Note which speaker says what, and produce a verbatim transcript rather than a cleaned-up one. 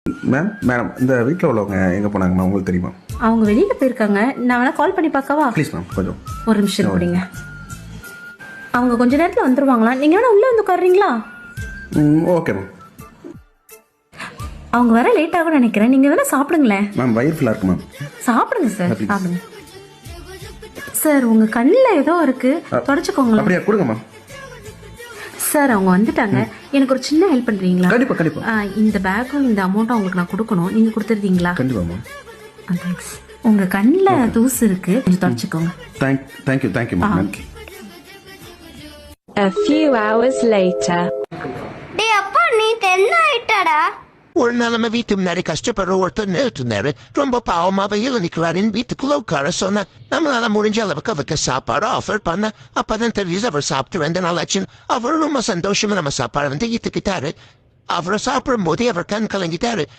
Speaker 1: Ma'am madam இந்த வீட்டில் உள்ளவங்க எங்கே போனாங்க மேம் உங்களுக்கு தெரியுமா?
Speaker 2: அவங்க வெளியில போயிருக்காங்க. நான் வேணா கால் பண்ணி பார்க்கவா?
Speaker 1: ப்ளீஸ் மேம் கொஞ்சம்
Speaker 2: ஒரு நிமிஷம் கொடுங்க. அவங்க கொஞ்ச நேரத்தில் வந்துருவாங்களா? நீங்கள் வேணா உள்ளே வந்து உட்காருறீங்களா?
Speaker 1: ம் ஓகே மேம்.
Speaker 2: அவங்க வர லேட் ஆகும் நினைக்கிறேன். நீங்கள் வேணா சாப்பிடுங்களேன்.
Speaker 1: மேம் வயிறு ஃபுல்லாக இருக்கு மேம்.
Speaker 2: சாப்பிடுங்க சார், சாப்பிடுங்க சார். உங்கள் கண்ணில் ஏதோ இருக்கு, தொடச்சிக்கோங்களேன்.
Speaker 1: அப்படியே கொடுங்க மேம்.
Speaker 2: சார் அவங்க வந்துட்டாங்க. எனக்கு ஒரு சின்ன ஹெல்ப் பண்ணுறீங்களா?
Speaker 1: கண்டிப்பாக கண்டிப்பாக.
Speaker 2: இந்த பேக்கும் இந்த அமௌண்ட்டும் அவங்களுக்கு நான் கொடுக்கணும். நீங்கள் கொடுத்துருந்தீங்களா?
Speaker 1: கண்டிப்பாக மேம்.
Speaker 2: தேங்க்ஸ். உங்கள் கண்ணில் தூசு இருக்கு, கொஞ்சம் தொடச்சிக்கோங்க.
Speaker 1: Thank thank you thank you ma'am. நன்றி.
Speaker 3: A few hours later.
Speaker 4: டேய் அப்பா, நீ தென்ன ஆயிட்டடா.
Speaker 5: ஒரு நிலைமை வீட்டு முன்னாடி கஷ்டப்படுற ஒருத்தர் நிறுத்தினாரு. ரொம்ப பாவமாக நிற்கிறாரின் வீட்டுக்குள்ள உட்கார சொன்ன. நம்மளால முடிஞ்ச அளவுக்கு அவருக்கு சாப்பாடு ஆஃபர் பண்ண. அப்பதான் தெரியுது அவர் சாப்பிட்டு ரெண்டு நாள் ஆச்சு. அவர் ரொம்ப சந்தோஷமா நம்ம சாப்பாடு வந்து ஈத்துக்கிட்டாரு. அவரை சாப்பிடும் போதே அவர் கண் கலங்கிட்டாரு.